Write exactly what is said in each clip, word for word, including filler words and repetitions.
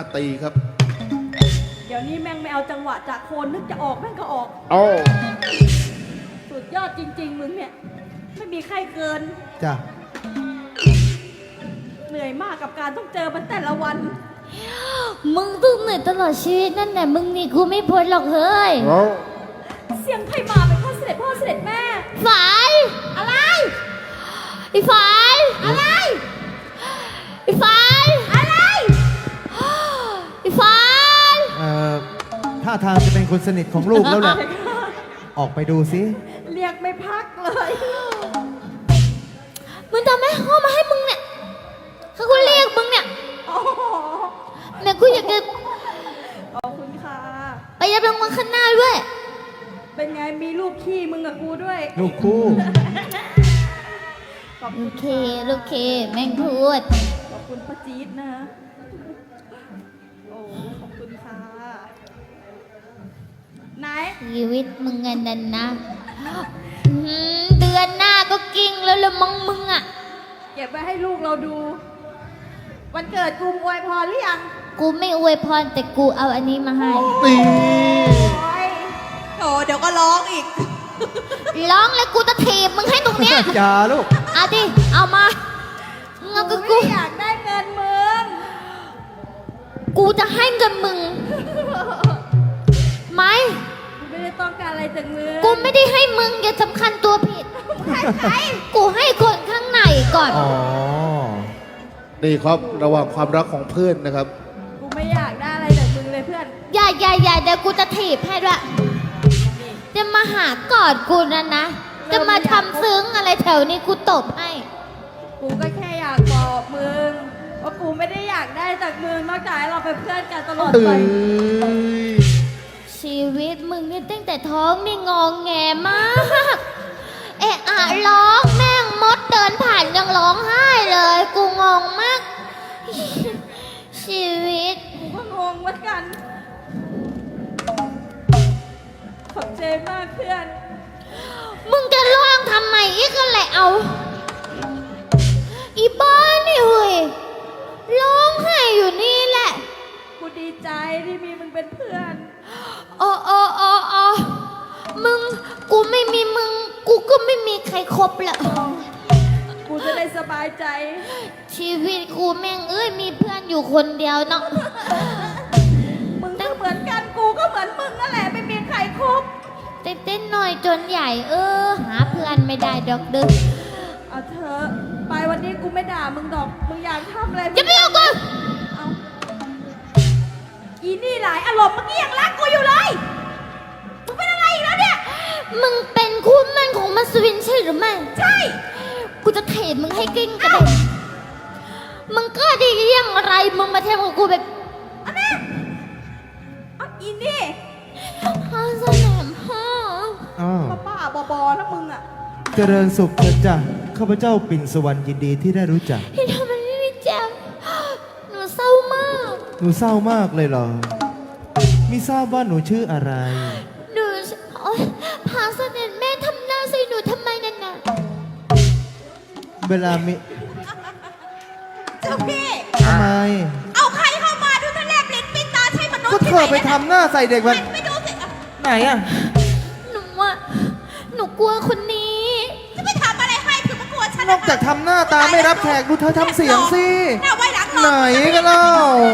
ตีครับเดี๋ยวนี้แม่งไม่เอาจังหวะจากโคนนึกจะออกแม่งก็ออกโอ้สุดยอดจริงๆมึงเนี่ยไม่มีใครเกินจ้ะเหนื่อยมากกับการต้องเจอมันแต่ละวันมึงต้องเหนื่อยตลอดชีวิตนั่นแหละมึงนี่กูไม่พ้นหรอกเฮ้ยเสียงใครมาเป็นข้าเสด็จพ่อเสด็จแม่ฝายอะไรไอ้ฝายอะไรไอ้ฝายอะไรไอ้ฝายเอ่อท่าทางจะเป็นคนสนิทของลูกแล้วแหละออกไปดูสิเรียกไม่พักเลยมึงทำไมเข้ามาให้มึงเนี่ยเขากูเรียกมึงเนี่ยแม่กูอยากจะขอบคุณค่ะไปยับรางวัลข้างหน้าด้วยเป็นไงมีลูกขี้มึงกับกูด้วยลูกคู่ลูกเคลูกเคแม่งพูดขอบคุณป้าจี๊ดนะโอ้ขอบคุณค่ะไหนชีวิตมึงเงินนั่นนะเดือนหน้าก็กิ้งแล้วละมึงมึงอ่ะเก็บไว้ให้ลูกเราดูวันเกิดกูอวยพรหรือยังกูไม่อวยพรแต่กูเอาอันนี้มาให้ตีโอ้เดี๋ยวก็ร้องอีกร้องแล้วกูจะถีบมึงให้ตรงเนี้ยอย่าลูกเอาดิเอามาเงากูกูอยากได้เงินมึงกูจะให้เงินมึงไหมกูไม่ได้ต้องการอะไรจากมึงกูไม่ได้ให้มึงอย่าสำคัญตัวผิดให้ใครกูให้คนข้างในก่อนอ๋อนี่ครับระหว่างความรักของเพื่อนนะครับกูไม่อยากได้อะไรจากมึงเลยเพื่อนอย่าอย่าอย่าเดี๋ยวกูจะถีบให้ด้วยจะมาหากอดกูนะนะจะมาทำซึ้งอะไรแถวนี้กูตบให้กูก็แค่อยากบอกมึงว่ากูไม่ได้อยากได้จากมึงนอกจากให้เราเป็นเพื่อนกันตลอดไปชีวิตมึงนี่ตั้งแต่ท้องนี่งองแงมากเอะอะร้องแม่งมดเดินผ่านยังร้องไห้เลยกูงงมากชีวิตกูก็งงเหมือนกันขอบใจมากเพื่อนมึงจะร้องทำไมอีกก็แหละเอาอีบ้านี่เว้ยร้องไห้อยู่นี่แหละกูดีใจที่มีมึงเป็นเพื่อนอ๋ออ๋ออ๋ออ๋อมึงกูไม่มีมึงกูก็ไม่มีใครครบละกูจะได้สบายใจชีวิตกูแม่งเอ้ยมีเพื่อนอยู่คนเดียวเนาะมึงก็เหมือนกันกูก็เหมือนมึงนั่นแหละไม่มีใครครบเต้นๆหน่อยจนใหญ่เออหาเพื่อนไม่ได้ดอกเด้อเอาเถอะไปวันนี้กูไม่ด่ามึงดอกมึงอยากทำอะไรจะไม่เอากูเอาอีนี่หลายอารมณ์เมื่อกี้ยังรักกูอยู่เลยมึงเป็นอะไรอีกแล้วเนี่ยมึงเป็นคู่มั่นของมัสวินใช่หรือไม่ใช่กูจะเทมึงให้กิ้งกระเด็นมึงก็ดียังไรมึงมาเทมกับกูแบบอันนี้เอาอีนี่พ่อสนามพ่อป้าป้าบอบอนะมึงอ่ะเจริญสุขเถิดจ้ะข้าพเจ้าปิ่นสวรรค์ยินดีที่ได้รู้จักที่ทำมันไม่รู้จักหนูเศร้ามากหนูเศร้ามากเลยเหรอมิทราบว่าหนูชื่ออะไรหนูพาเสด็จแม่ทำหน้าใส่หนูทำไมนั่นน่ะเวลามิเจ้าพี่ทำไมเอาใครเข้ามาดูทะเลปลิ้นปิดตาใช่มนุษย์ก็เธอไปทำหน้าใส่เด็กมันไม่ดูสิไหนอะหนูอะหนูกลัวคนนี้จะไปทำอะไรให้คือมากลัวฉันนอกจากทำหน้าตาไม่รับแขกดูเธอทำเสียงสิหน้าไว้หลังไหนกันเล่า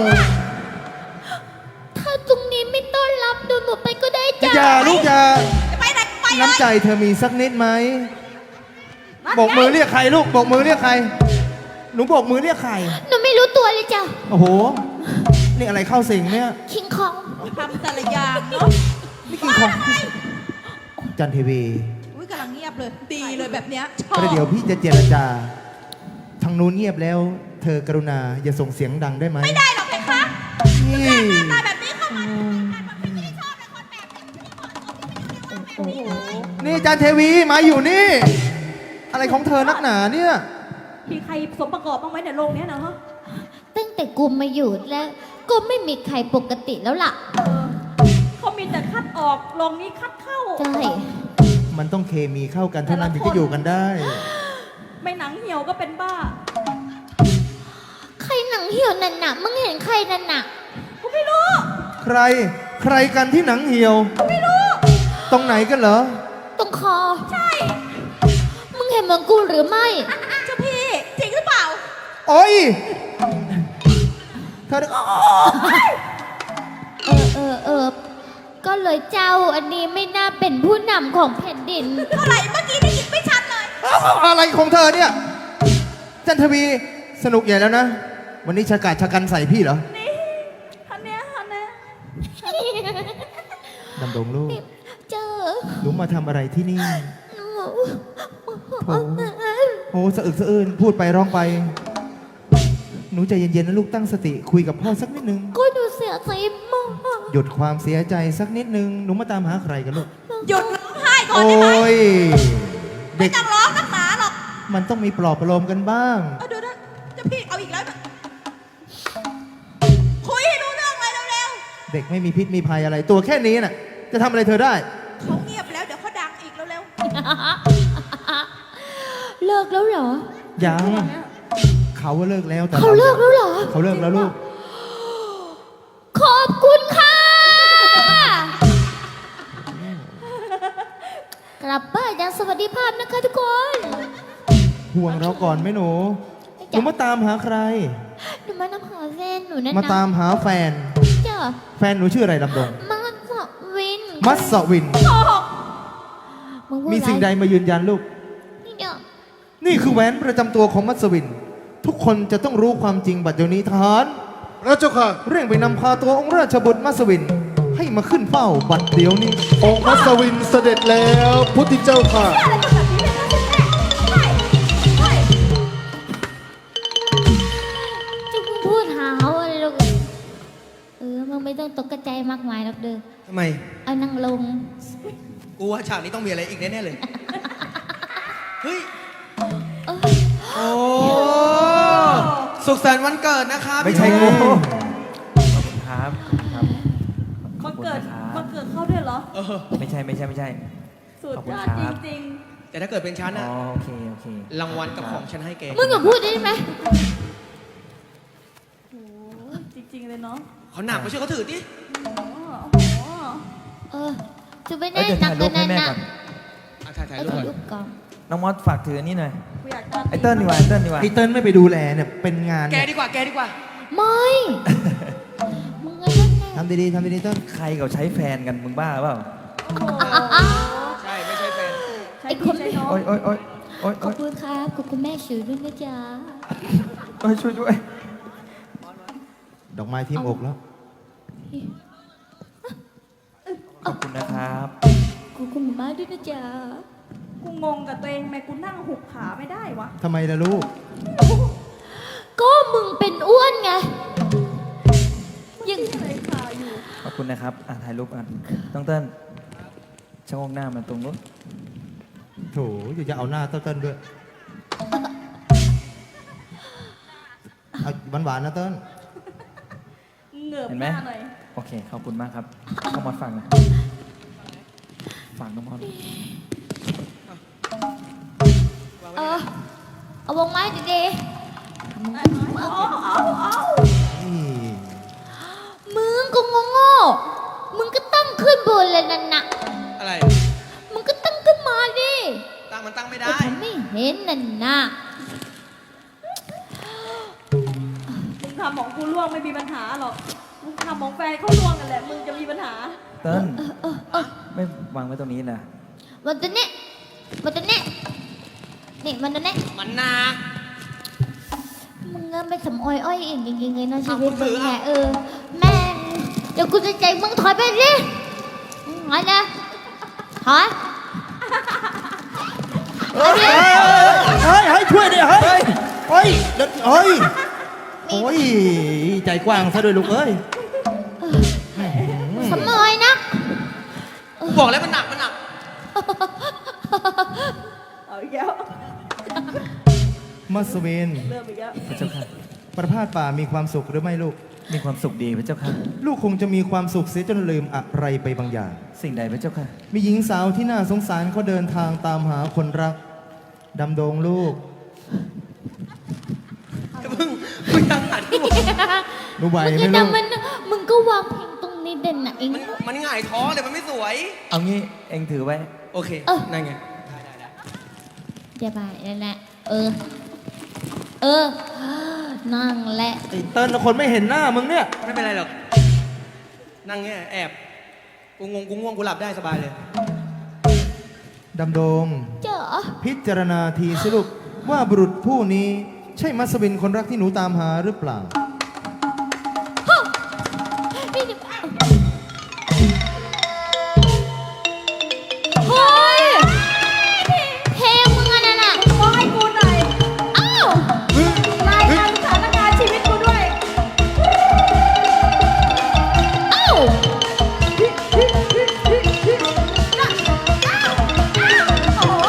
ถ้าตรงนี้ไม่ต้อนรับดูหนูไปก็ได้จ้ะอย่าลูกอย่าไปไหนไปเลยน้ำใจเธอมีสักนิดไหมโบกมือเรียกใครลูกโบกมือเรียกใครหนูโบกมือเรียกใครหนูไม่รู้ตัวเลยจ้ะโอ้โหนี่อะไรเข้าสิงเนี่ยคิงคองทำแต่ละอย่างเนาะนี่คิงคองจันทีวีอุ้ยกำลังเงียบเลยดีเลยแบบเนี้ยประเดี๋ยวพี่จะเจรจาทางนู้นเงียบแล้วเธอกรุณาอย่าส่งเสียงดังได้ไหมไม่ได้หรอกเพคะนี่หน้าตาแบบนี้เข้ามาพี่ไม่ชอบเลยคนแบบนี้นี่จันเทวีมาอยู่นี่อะไรของเธอนักหนาเนี่ยมีใครสมประกอบบ้างไหมในโลกนี้นะฮะตั้งแต่กูมาอยู่แล้วก็ไม่มีใครปกติแล้วล่ะเขามีแต่คัดออกลงนี้คัดเข้าใช่มันต้องเคมีเข้ากันเท่านั้นถึงจะอยู่กันได้ไม่หนังเหี่ยวก็เป็นบ้าใครหนังเหี่ยวนั่นน่ะมึงเห็นใครนั่นน่ะใคร ใครกันที่หนังเหี่ยวไม่รู้ตรงไหนกันเหรอตรงคอใช่มึงเห็นเหมือนกูหรือไม่เจ้าพี่จริงหรือเปล่าโอ้ยเธอเออเออเออ ก็เลยเจ้าอันนี้ไม่น่าเป็นผู้นำของแผ่นดินเท่าไหร่เมื่อกี้ได้ยินไม่ชัดเลยอะไรของเธอเนี่ย จันทวีสนุกใหญ่แล้วนะ วันนี้ชะกาดชะกันใส่พี่เหรอนี่ท่านเนี้ยท่านเนี้ยดำดงลูกเจอหนูมาทำอะไรที่นี่หนูโอ้โหสะอึกสะอื้นพูดไปร้องไป หนูใจเย็นๆนะลูกตั้งสติคุยกับพ่อสักนิดนึงก็หนูเสียใจมากหยุดความเสียใจสักนิดนึง หนูมาตามหาใครกันลูกหยุดร้องไห้ก่อนโอ้ได้ไหมยไม่เด็กต้องร้องนักหนาหรอกมันต้องมีปลอบประโลมกันบ้างเอาเดี๋ยวนะเจ้าพี่เอาอีกแล้วนะคุยให้รู้เรื่องเลยเร็วเด็กไม่มีพิษมีภัยอะไร ตัวแค่นี้น่ะ จะทำอะไรเธอได้ๆเขาเงียบแล้วเดี๋ยวเขาดังอีกเร็วเลิกแล้วเหรอยัง เขาว่าเลิกแล้วแต่เขาเลิกแล้วเหรอเขาเลิกแล้วลูกขอบคุณค่ะ กลับบ้านอย่างสวัสดิภาพนะคะทุกคนห่วงเราก่อนไหมหนู หนูมาตามหาใครหนูมานำหาแฟนหนูนั่นมาตามหาแฟนจ้ะแฟนหนูชื่ออะไรดำดงมาสวินมัสวินๆโกหกมึงพูดมีสิ่งอะไรใดมายืนยันลูกนี่เดี๋ยวนี่คือแหวนประจำตัวของมัสวิน ทุกคนจะต้องรู้ความจริงบัดเดี๋ยวนี้ทหารพระเจ้าค่ะเร่งไปนำพาตัวองค์ราชบุตรมัสวิน ให้มาขึ้นเฝ้าบัดเดี๋ยวนี้องค์มัสวินเสด็จแล้วพุทธเจ้าค่ะอะไรกันแบบนี้เลยนะคุณแม่ใช่ใช่จะมึงพูดหาอะไรหรอกเออมึงไม่ต้องตกใจมากมายหรอกเด้อทำไมเอานั่งลงกูว่าฉากนี้ต้องมีอะไรอีกแน่ๆเลย เฮ้ยเออโอ้ สุขสันต์วันเกิดนะครับไม่ใช่พี่กูครับครับมันเกิดขอบคุณนะครับมันเกิดเข้าด้วยเหรอเออไม่ใช่ไม่ใช่ไม่ใช่สุดขอบคุยณอดครับจริงแต่ถ้าเกิดเป็นฉันอ๋อะอโอเคโอเครางวัลกับของฉันให้แกมึงอย่าพูดได้ไหมๆโอ้โหจริง ๆ เลยเนาะเขาหนักไม่ใช่เขาถือดิโอ้โหโอ้โหเออจะไปเอ้ได้ยเดี๋ยวหนัถ่าก ยรูกัปนให้นั่นแม่น่ะก่อนอ่ะถ่ายถ่ายเอารูปถ่ายก่อนรูปก่อนน้องมอสฝากถือนี่หน่อยกูอยากจะไอเติ้ลดีกว่าไอเติ้ลดีกว่าไอเติ้ลไม่ไปดูแลเนี่ยเป็นงานแกเนี่ยดีกว่า แกดีกว่าไม่มึงไงนั่นน่ะทำดีๆทำดีๆเติ้ลใครเขาใช้แฟนกันมึงบ้าเปล่าโอ้โหใช่ ไม่ใช่แฟนใช้พี่ใช้น้องโอ๊ยโอ๊ยโอ๊ยโอ๊ยขอบคุณครับขอบคุณแม่ชื่อด้วยนะจ๊ะโอ๊ยช่วยด้วยดอกไม้ทิ่มอกแล้วขอบคุณนะครับขอบคุณมากด้วยนะจ๊ะกูงงกับตัวเองทำไมกูนั่งหุบขาไม่ได้วะทำไมล่ะลูกก็มึงเป็นอ้วนไงยังอะไรขาอยู่ขอบคุณนะครับอ่ะถ่ายรูปกันต้องเติ้ลชะโงกหน้ามาตรงนู้นโถอยู่จะเอาหน้าเติ้ลๆด้วย เอาหวานๆนะเติ้ลเหงือบเห็นหไหมน้าหน่อยโอเคขอบคุณมากครับน้องมอสฟังหน่อยฟังน้องมอสเออเอาวงไม้ดีเอาเอาเอานี่ๆมึงก็งงๆมึงก็ตั้งขึ้นบนเลยนั่นน่ะอะไรมึงก็ตั้งขึ้นมาดิตั้งมันตั้งไม่แต่ได้ฉันไม่เห็นนั่นน่ะมึงทำของกูล่วงไม่มีปัญหาหรอก มึงทำของแฟนเขาล่วงกันแหละ มึงจะมีปัญหาเติ้ลเออเออไม่วางไว้ตรงนี้นะวันตัวเนี้ยวันตัวเนี้ยนี่วันตัวเนี้ยมันหนักมึงเงินไปสำออยอ้อยเองจริงๆเลยนะชีเอาวิตคุณถืมึงอเนี่ยเอาเออแม่งเดี๋ยวกูจะใจมึงถอยไปดิถอยนะถอยเฮ้ยเฮ้ยเฮ้ยช่วยดิเฮ้ยเฮ้ยเดี๋ยวเฮ้ยโอ้ยใจกว้างซะด้วยลูกเอ้ยสำออยนะกูบอกแล้วมันหนัก มันหนักเอาอีกแล้วมัสวินเริ่มอีกแล้วพระเจ้าค่ะประพาสป่ามีความสุขหรือไม่ลูกมีความสุขดีพระเจ้าค่ะลูกคงจะมีความสุขเสียจนลืมอะไรไปบางอย่างสิ่งใดพระเจ้าค่ะมีหญิงสาวที่น่าสงสารเขาเดินทางตามหาคนรัก ดำดงลูกมึงมึงยังหันกูหนูไหวมึงไหมจะลูกทำมันมึงก็วางเพลงตรงนี่เด่นนะเองมันมันหง่ายท้องเลยมันไม่สวยเอางี้เองถือไว้โอเคเออนั่นไงเดี๋ยวไปนั่นแหละเออ เออ นั่งแหละไอ้เติ้ลคนไม่เห็นหน้ามึงเนี่ยไม่เป็นไรหรอก นั่งเงี้ยแอบ กูงงกูง่วงกูหลับได้สบายเลยดำดงเจ๋อพิจารณาทีสิลูกว่าบุรุษผู้นี้ใช่มัสวินคนรักที่หนูตามหาหรือเปล่านี่เดี๋ยวเฮ้ยเพลงมึงอันนั้นอ่ะขอให้กูหน่อยอ้าวรายงานสถานการณ์ชีวิตกูด้วยอ้าวโอ้โห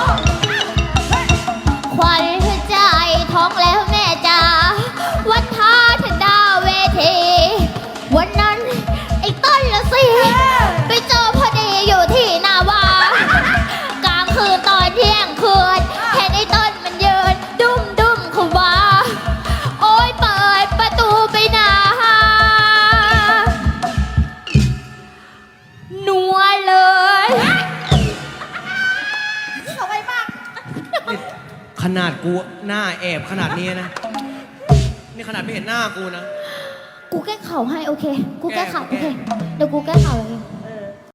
ควันหัวใจท้องแล้วแม่จ๋าวันท้าทันดาวเวที วันนั้นไอ้ต้นละสิ ไปเจอพอดีอยู่ที่นาวากลางคืนตอนเที่ยงคืนเห็นไอ้ต้นมันยืน ดุ้มดุ้มเข้ามาโอ้ยเปิดประตูไปหนานัวเลยเอาไว้มากขนาดกูหน้าแอบขนาดนี้นะ นี่ขนาดไม่เห็นหน้ากูนะกูแก้เข่าให้โอเค กูแก้เข่าแก้โอเค เดี๋ยวกูแก้เข่าเอง